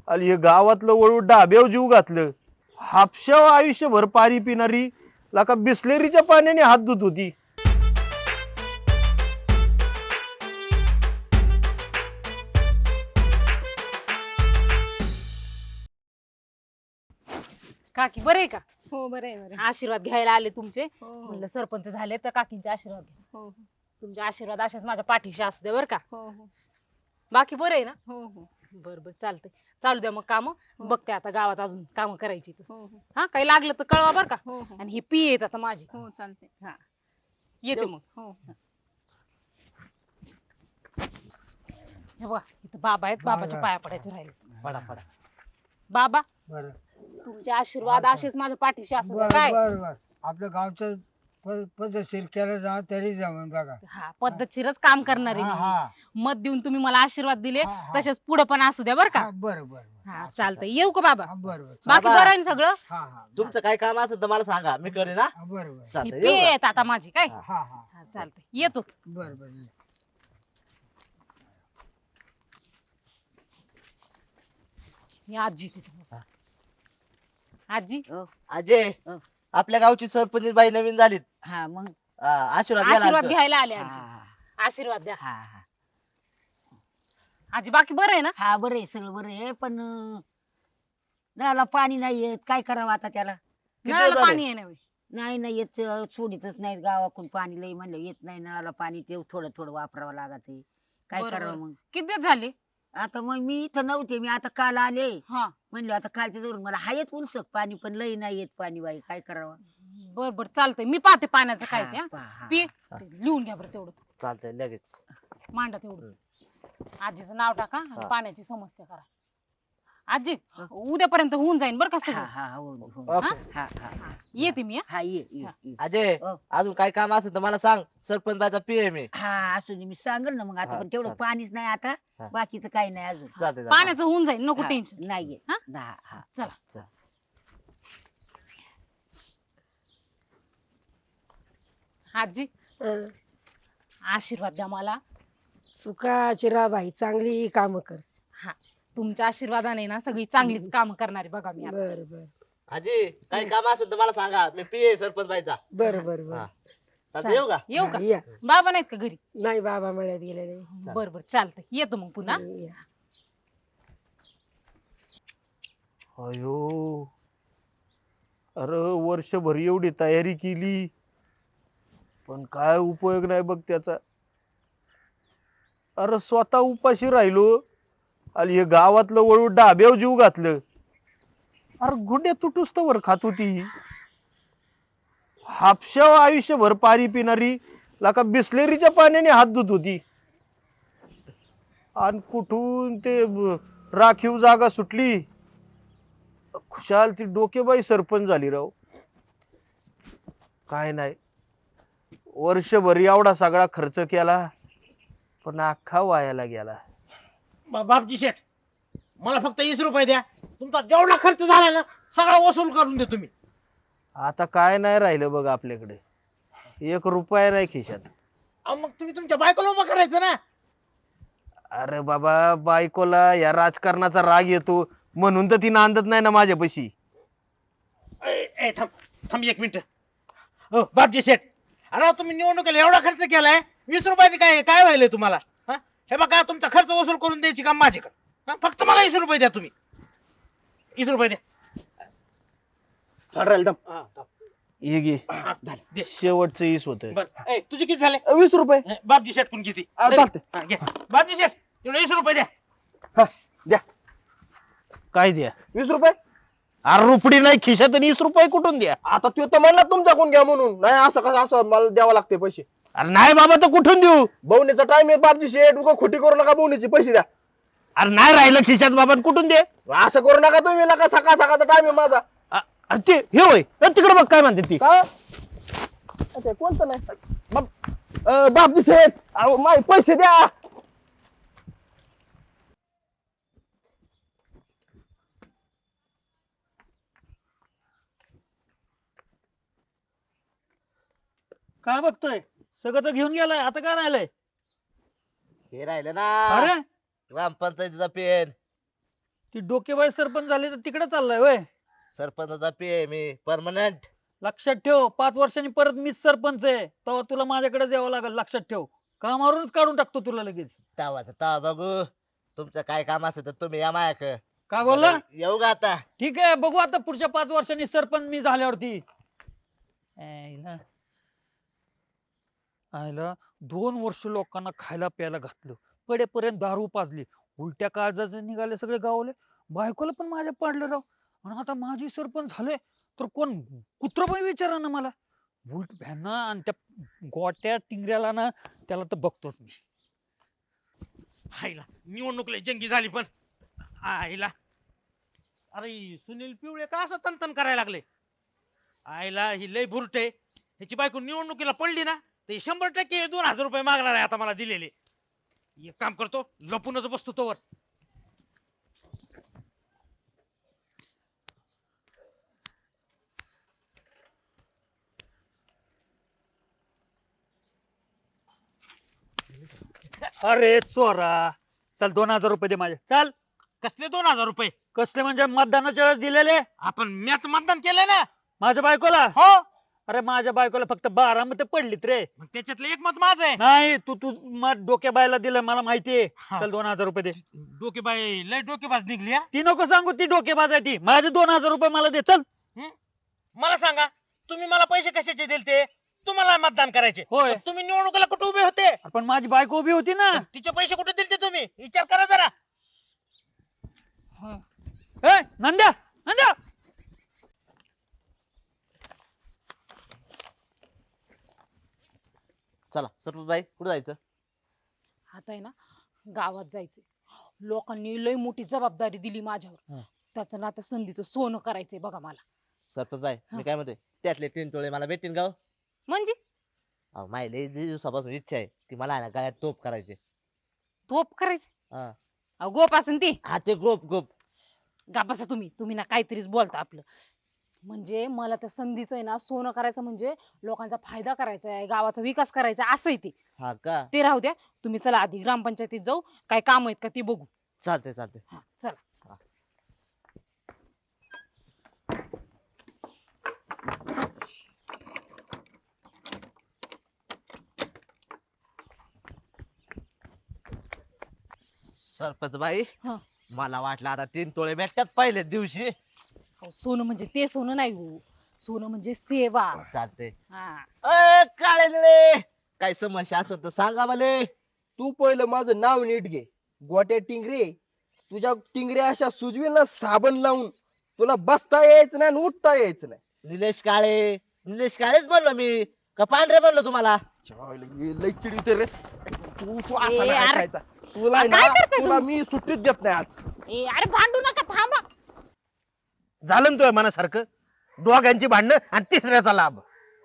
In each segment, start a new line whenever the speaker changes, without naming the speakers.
आणि हे गावातलं वळू डाब्याव जीव घातलं. हापशाव आयुष्यभर पाणी पिणारी लाका बिस्लेरीच्या पाण्याने हात धुत होती.
काकी बरे आहे का?
हो बरं आहे बरं.
आशीर्वाद घ्यायला आले तुमचे.
हो
म्हणलं सरपंच झाले तर काकींचे आशीर्वाद घ्या.
हो
तुमचे आशीर्वाद असेच माझ्या पाठीशी असू दे बर का.
हो हो
बाकी बरं आहे ना?
हो हो
बर बर चालतंय. चालू द्या मग काम. बघते आता गावात अजून काम करायची तर.
हो हो
हा काही लागलं तर कळवा बर का.
हो हो
आणि ही पी येत आता माझी.
हो चालते.
हा येते मग.
हो
हे बघा इथं बाबा आहेत. बाबाच्या पाया पडायचे राहिले.
पडा पडा.
बाबा
बरं
तुमचे आशीर्वाद असेच माझ्या पाठीशी असू द्या
बर
काय.
बर बर आपल्या गावचं पद्धतशीर केलं जा तरी जमून बघा.
हा पद्धतशीरच काम करणार
हा
आहे
हा
मी. मत देऊन तुम्ही मला आशीर्वाद दिले
हा, हा.
तसेच पुढे पण असू द्या बर का.
हा, बरं बरं
हा चालतंय. येऊ का बाबा?
बरं बरं
बाकी
बाबा.
बरं आहे ना सगळं?
हा हा
तुमचं काय काम असेल तर मला सांगा, मी करेन ना.
बरं बरं
ही
चालतंय,
पी
येऊ का?
येत आता माझी काय.
हा.
हा हा
हा चालतंय येतो.
बरं बरं
ही आजी तिथे. आजी
अजय, आपल्या गावची सरपंच बाई नवीन झालीत.
हा मग
आशीर्वाद घ्यायला
आशीर्वाद
आलतो.
घ्यायला आले
हा
आजी. आशीर्वाद द्या.
हा हा
आजी बाकी बरं आहे ना?
हा बरं आहे सगळं बरं आहे पण नळाला पाणी नाही येत काय करावं आता त्याला.
किती
नळाला
झाले?
पाणी आहे ना.
नाही नाही येत सोडितच नाहीत गावाकडून पाणी लई म्हणलं येत नाही नळाला पाणी ते थोडं थोडं वापरावं लागत आहे. काय
बरं,
करावं
बरं.
मग.
किती दिवस झाले?
आता मग मी इथं नव्हते मी आता काल आले
हा
म्हणलं आता कालच्या धरून मला हायत उलसक पाणी पण लई नाही येत पाणी बाई काय करावं.
बर बर चालतंय. मी पाहते पाण्याचं काय ते.
हा,
हा.
पहा, हा.
पी ते लिहून घ्या बरं तेवढं.
चालतंय लगेच.
मांडा तेवढं. आजीचं नाव टाका आणि
हा.
पाण्याची समस्या करा. आजी उद्यापर्यंत होऊन जाईल बरं का
हा
सगळं.
हा हो, हो.
ओके.
हा हा हा.
येते मी. हा.
हा ये
हा.
अजय,
हो.
अजून काय काम असेल तर मला सांग, सरपंच बाईचा पीए मी.
हा असू दे मी सांगेल ना मग आता
हा,
पण तेवढं
चालेल.
पाणीच नाही आता
हा.
बाकीचं काही नाही अजून.
चालतंय चालतंय.
पाण्याचं होऊन जाईल नको
हा,
टेन्शन.
नाही येत.
हा?
हा हा
चला.
चल.
आजी आशीर्वाद द्या मला.
सुखाची राह बाई चांगली काम कर.
हा तुमच्या आशीर्वादाने ना सगळी चांगलीच काम करणारी बघा मी आता.
बर बर
अजय, काय काम असेल तर मला सांगा, मी पीए सरपंच बाईचा.
बर बर बर
हा. चालतंय, येऊ का?
येऊ का?
या
बाबा नाहीत का घरी?
नाही बाबा मळ्यात गेलेले.
बर बर चालतंय. येतो मग पुन्हा.
या.
अयो अरे वर्षभर एवढी तयारी केली पण काय उपयोग नाही बघ त्याचा. अरे स्वतः उपाशी राहिलो आणि हे गावातलं वळू डाब्याव जीव घातलं. अरे गुड्या तुटूस तर खात होती ही. हापशाव आयुष्यभर पाणी पिणारी लाका बिस्लेरीच्या पाण्याने हात धुत होती. आणि कुठून ते राखीव जागा सुटली. खुशाल ती डोकेबाई सरपंच झाली राव. काय नाही वर्षभर एवढा सगळा खर्च केला पण अख्खा वायाला गेला.
बापजी शेठ, मला फक्त 20 रुपये द्या. तुमचा जेवढा खर्च झाला ना सगळा वसूल करून दे तुम्ही.
आता काय नाही राहिलं बघ आपल्याकडे. 1 रुपया नाही खिशात.
अहो, मग तुम्ही तुमच्या बायकोला उभं करायचं ना.
अरे बाबा बायकोला या राजकारणाचा राग येतो म्हणून तर ती नांदत नाही ना माझ्यापाशी.
थांब थांब 1 मिनिट. हो बापजी शेठ, अरे तुम्ही निवडणुकीला एवढा खर्च केलाय, 20 रुपयाने काय काय व्हायलंय तुम्हाला? हा? हे बघा तुमचा खर्च वसूल करून द्यायची काम माझ्याकडे. हा? फक्त मला 20 रुपये द्या तुम्ही. 20 रुपये द्या. हा, थांब.
हे घे
हा, झालं. दे.
शेवटचं ईस होत.
बरं. तुझे किती झाले?
20 रुपये
बापजी शेठ कोण किती?
चालतंय.
हा, घे. बापजी शेठ एवढे 20 रुपये द्या.
द्या
काय द्या?
20 रुपये.
अरे रुपडी नाही खिशात आणि 20 रुपये कुठून द्या?
आता तू तर म्हणला तुमच्याकडून घ्या म्हणून. नाही असं कसं असं मला द्यावं लागते पैसे.
अरे नाही बाबा तर कुठून देऊ?
बवणीचा टाइम आहे बापजी शेठ उगा खोटी करू नका बवणीचे पैसे द्या.
अरे नाही राहिलं खिशात बाबा कुठून दे?
असं करू नका तुम्ही नका सकाळ सकाळचा टाइम आहे माझा.
अरे ते हे होय तिकडे बघ काय म्हणते ती.
का ते कोणतं नाही बापजी शेठ अहो माझे पैसे द्या.
काय बघतोय? सगळं तर घेऊन गेलाय, आता काय राहिलंय?
हे राहिलं ना,
अरे
ग्रामपंचायतीचा पेन.
ती डोकेबाई सरपंच झाली तर तिकडे चाललाय वय.
सरपंचाचा पे आहे मी परमनंट.
लक्षात ठेव 5 वर्षांनी परत मीच सरपंच आहे, तेव्हा तुला माझ्याकडेच यावं लागेल. लक्षात ठेव, कामावरूनच काढून टाकतो तुला लगेच.
तवा बघू. तुमचं काय काम असेल तर तुम्ही या मायाक.
काय बोलला?
येऊ का आता?
ठीक आहे, बघू आता पुढच्या 5 वर्षांनी सरपंच मी झाल्यावरती. आयला 2 वर्ष लोकांना खायला प्यायला घातलं, पडेपर्यंत दारू पाजली, उलट्या काळजाचे निघाले सगळे गावले, बायकोला पण माझ्या पाडलं राव. आणि आता माझी सरपंच झाले तर कोण कुत्र पण विचारा ना मला. उलट भ्याना आणि त्या गोट्या टिंगऱ्याला ना, त्याला तर बघतोच मी.
आईला निवडणूक लय जंगी झाली पण. आईला अरे सुनील पिवळे का असं तनतन करायला लागले? आईला ही लय बुरटे. ह्याची बायको निवडणुकीला पडली ना ते 100% 2000 रुपये मागणार आहे आता मला दिलेले. एक काम करतो, लपूनच बसतो तोवर.
अरे चोरा, चल 2000 रुपये दे माझे. चल.
कसले 2000 रुपये?
कसले म्हणजे मतदानाच्या वेळेस दिलेले
आपण म्यात मतदान केलंय ना.
माझ्या बायकोला.
हो
अरे माझ्या बायकोला फक्त 12 मत पडलीत रे.
मग त्याच्यातलं एक मत माझं आहे.
नाही, तू तू मत डोक्या बायला दिलं मला माहितीये.
हा.
चल 2000 रुपये दे.
डोकेबाई लय डोकेबाज निघली हा.
ती नको सांगू, ती डोकेबाज आहे ती. माझे 2000 रुपये मला दे. चल.
मला सांगा, तुम्ही मला पैसे कशाचे दिलते? तुम्हाला मतदान करायचे.
होय.
तुम्ही निवडणुकीला कुठे उभे होते?
पण माझी बायको उभी होती ना.
तिचे पैसे कुठे दिलते तुम्ही? विचार करा जरा.
ए नंद्या, नंद्या.
चला सरपंच बाई कुठे जायचं?
आता आहे ना गावात जायचंय. लोकांनी लय मोठी जबाबदारी दिली माझ्यावर.
हा.
त्याचं ना आता संधीचं सोनं करायचंय बघा मला.
सरपंच बाई मी काय म्हणतोय, त्यातले 3 तोळे मला भेटतील का हो?
म्हणजे
अहो माझी लय दिवसापासून इच्छा आहे की मला आहे ना गळ्यात तोप करायचे.
तोप करायची?
हा.
अहो गोप असेल ती.
हा ते गोप गोप.
गा बसा तुम्ही. तुम्ही ना काहीतरीच बोलता आपलं. म्हणजे मला त्या संधीचं आहे ना सोनं करायचं म्हणजे लोकांचा फायदा करायचा आहे, गावाचा विकास करायचा आहे, असं आहे ते.
हा का?
ते राहू द्या. तुम्ही चला आधी ग्रामपंचायतीत जाऊ, काय काम आहेत का ते बघू.
चालते चालते.
हा चला.
सरपंच बाई
हा.
मला वाटलं आता 3 तोळे भेटतात पहिल्याच दिवशी.
अहो, सोनं म्हणजे ते सोनं नाही हो. सोनं म्हणजे सेवा.
चालते.
हा.
काळे निळे काय समस्या असेल तर सांगा मला.
तू पहिलं माझं नाव नीट घे. गोट्या टिंगरे. तुझ्या टिंगऱ्या अशा सुजवील ना साबण लावून, तुला बसता यायचं नाही आणि उठता यायचं नाही.
निलेश काळे. निलेश काळेच म्हणलो मी का पांढरे म्हणलो तुम्हाला?
लय चिडीते रे. तू तू असा
ए,
नाही
अरे.
ऐकायचा. तुला आहे
काय
ना,
करताय
तुला
तुम्ही?
मी सुट्टीच देत नाही आज.
ए अरे भांडू नका, थांबा.
झालं ना तुझ्या मनासारखं. दोघांची भांडणं आणि तिसऱ्याचा लाभ.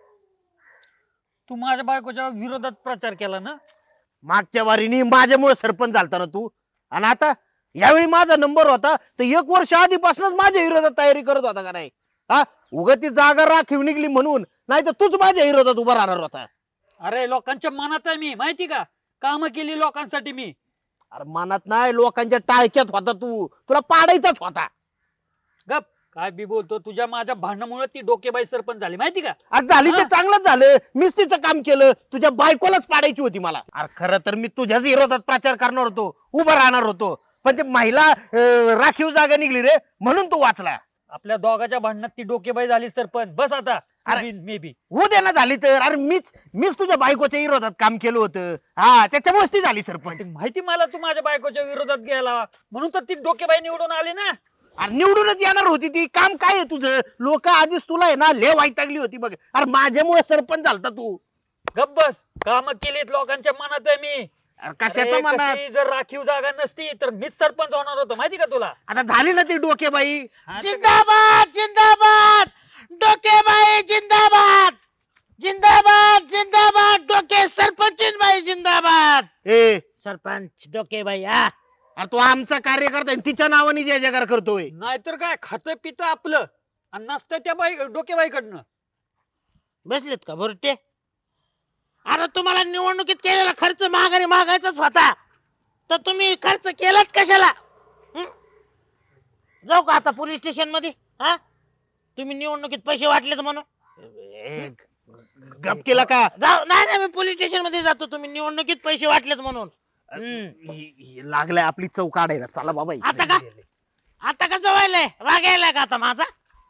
तू माझ्या बायकोच्या विरोधात प्रचार केला ना.
मागच्या वारीनी माझ्यामुळे सरपंच झालता ना तू. आणि आता यावेळी माझा नंबर होता तर 1 वर्ष आधीपासूनच माझ्या विरोधात तयारी करत होता का नाही? हा, उगा ती जागा राखीव निघली म्हणून, नाही तर तूच माझ्या विरोधात उभा राहणार होता.
अरे लोकांच्या मनात आहे मी, माहिती का? काम केली लोकांसाठी मी.
अरे मनात नाही, लोकांच्या टाळक्यात होता तू. तुला पाडायचाच होता.
गप. काय बी बोलतो, तुझ्या माझ्या भांडणामुळे ती डोकेबाई सरपंच झाली, माहिती का?
आज झाली ते
हा.
चांगलंच झालं. मीच तिचं काम केलं. तुझ्या बायकोलाच पाडायची होती मला. अरे खरं तर मी तुझ्याच विरोधात प्रचार करणार होतो, उभा राहणार होतो. पण ते महिला राखीव जागा निघली रे, म्हणून तू वाचला.
आपल्या दोघाच्या भांडणात ती डोकेबाई झाली सरपंच. बस आता.
अरे.
May be.
होऊ दे ना झाली तर. अरे मीच तुझ्या बायकोच्या विरोधात काम केलं होतं. हा, त्याच्यामुळेच ती झाली सरपंच.
माहिती मला तू माझ्या बायकोच्या विरोधात गेला म्हणून तर ती डोकेबाई निवडून आली ना.
अरे निवडूनच येणार होती ती. काम काय आहे तुझं? लोक आधीच तुला आहे ना लय वैतागली होती बघ. अरे माझ्यामुळे सरपंच झालता तू.
गप बस. काम केलीत लोकांच्या मनात आहे मी.
अरे कशाचं
अरे
मनात?
कशी जर राखीव जागा नसती तर मीच सरपंच होणार होतो, माहिती का तुला?
आता झाली ना ती डोकेबाई.
हा, तर-
जिंदाबाद जिंदाबाद डोकेबाई जिंदाबाद. जिंदाबाद जिंदाबाद डोके सरपंच बाई जिंदाबाद.
ए
सरपंच डोकेबाई हा.
अरे तू आमचा कार्यकर्ता आहे, तिच्या नावाने जय जयकार करतोय.
नाहीतर काय, खातं पितं आपलं आणि नसतं त्या बाई डोकेबाईकडनं.
बसलेत का भरते? अरे तुम्हाला निवडणुकीत केलेला खर्च माघारी मागायचाच होता, तर तुम्ही खर्च केलाच कशाला? जाऊ का आता पोलीस स्टेशन मध्ये? हा तुम्ही निवडणुकीत पैसे वाटलेत म्हणून
गप केला का?
जाऊ. नाही मी पोलीस स्टेशन मध्ये जातो, तुम्ही निवडणुकीत पैसे वाटलेत म्हणून.
लागलाय आपली चौ काढायला. चला बाबा इकडे.
आता का? आता का जवायलाय राग यायलाय का आता माझा?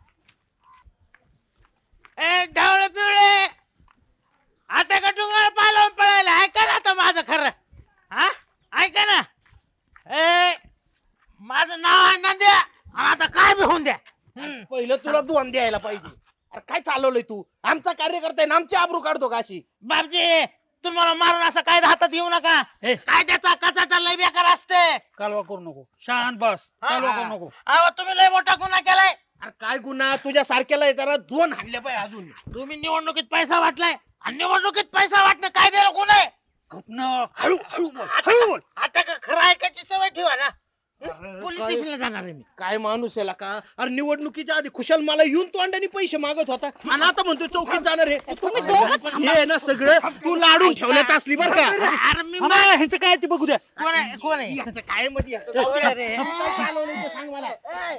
ए ढवळे पिवळे, आता का डोंगरावर पाय लावून पळायला? ऐका ना आता माझं खरं. हा ऐका ना. ए माझं नाव आहे नंद्या, आणि आता काय बी होऊन द्या.
पहिलं तुला दोन द्यायला पाहिजे. अरे काय चालवलंय तू? आमचा कार्यकर्ता आहे ना, आमची आबरू काढतो का अशी?
बापजी तुम्हाला मारून असं काय हातात घेऊ नका.
ए.
कायद्याचा कचाटा लय बेकार असते.
कालवा करू नको, शांत बस. कालवा करू नको.
अहो तुम्ही लय मोठा गुन्हा केलाय.
अरे काय गुन्हा? तुझ्या सारख्याला येताना दोन हाणले पाहिजे अजून.
तुम्ही निवडणुकीत पैसा वाटलाय, आणि निवडणुकीत पैसा वाटणं कायद्याला गुन्हा आहे.
गपनं.
हळू हळू बोल.
हळू बोल. आता का खरं ऐकायची सवय ठेवा ना. पोलीस
काय-
स्टेशनला जाणार आहे मी.
काय माणूस आहे का? अरे निवडणुकीच्या आधी खुशाल मला येऊन तोंडाने पैसे मागत होता, आणि आता म्हणतो चौकीत जाणार आहे.
तुम्ही दोघंच
हे ना सगळं तू लाडून ठेवण्यात असली बरं का?
अरे मी
थांबा, ह्यांचं काय ते बघू द्या.
कोण आहे कोण आहे?
याचं काय मध्ये
कोण आहे रे?
काय चालवलंय ते सांग मला.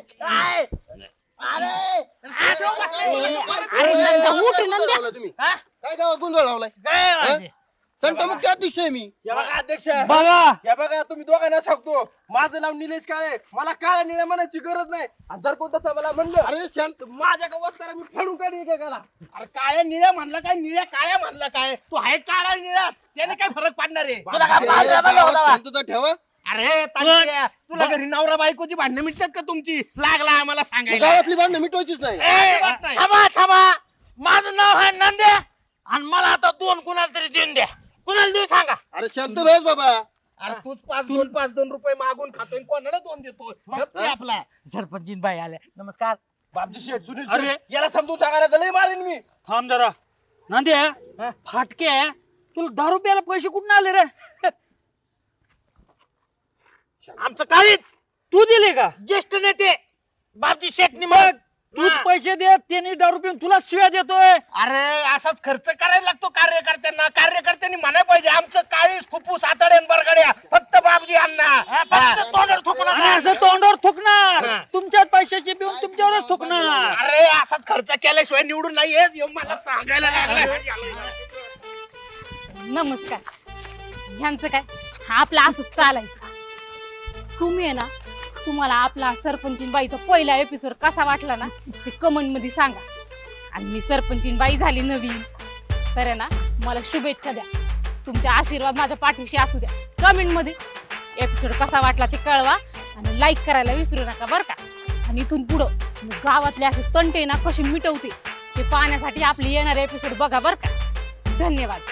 अरे नंदा, उठ नंद्या.
तुम्ही
हा?
काय गावात गोंधळ लावलाय?
काय माहिती?
तंटमुक्त अध्यक्ष आहे मी. या बघा अध्यक्ष,
बघा
या बघा तुम्ही दोघांना सांगतो, माझं नाव निलेश काळे. मला काळ्या निळ्या म्हणायची गरज नाही. आणि जर कोण तसं मला म्हणलं, अरे शांत, माझ्या का वस्ताला मी फाडून काढी एकेकाला.
अरे काळ्या निळ्या म्हणला काय, निळ्या काळ्या म्हणला काय? तू आहे काळा निळाच, त्याने काय फरक पडणार आहे?
तुला काय पाहिजे बघा
गावात
होता?
शांतता ठेवा.
अरे तात्या, तुला घरी नवरा बायकोची भांडणं मिटतात का तुमची? लागला आम्हाला सांगायला.
गावातली भांडणं मिटवायचीच नाही.
ए,
नाही.
थांबा थांबा, माझं नाव आहे नंद्या, आणि मला आता दोन कुणाला तरी देऊन द्या. कुणाला देऊ सांगा.
अरे शांत बस बाबा.
अरे तूच 5-2 रुपये मागून खातोय, कोणाला 2 देतो? गप्प आहे आपला.
सरपंचीन बाई आल्या, नमस्कार.
बापजी शेठ, सुनील
अरे.
शेठ, याला समजून सांगायला तर लय मारेन मी.
थांब जरा. नांद्या, फाटके तुला दारू प्यायला पैसे कुठून आले रे?
आमचं काळीच
तू दिले का?
ज्येष्ठ नेते बापजी शेटनी
बघ, तूच पैसे दे, त्यांनी दारू पिऊन तुला शिव्या देतोय.
अरे असाच खर्च करायला लागतो कार्यकर्त्यांना. कार्यकर्त्यांनी म्हणाय पाहिजे आमचं काळीस फुफ्फुस आतड्यान बरगड्या फक्त बापजी अण्णा.
तोंडावर थुंकू
आणि
नका.
असं तोंडावर थुकणार, तुमच्याच पैशाचे पिऊन तुमच्यावरच थुकणार.
अरे असाच खर्च केल्याशिवाय निवडून नाही येत, हे मला सांगायला लागलं.
नमस्कार. ह्यांचं काय, हा आपला असंच चालायचं. तुम्ही आहे ना, तुम्हाला आपला सरपंचीन बाईचा पहिला एपिसोड कसा वाटला ना, ते कमेंट मध्ये सांगा. आणि मी सरपंचीन बाई झाली नवीन तर आहे ना, मला शुभेच्छा द्या. तुमचे आशीर्वाद माझ्या पाठीशी असू द्या. कमेंट मध्ये एपिसोड कसा वाटला ते कळवा, आणि लाईक करायला विसरू नका बरं का. आणि इथून पुढं मी गावातले असे तंटे ना कसे मिटवते ते पाहण्यासाठी आपले येणारे एपिसोड बघा बरं का. धन्यवाद.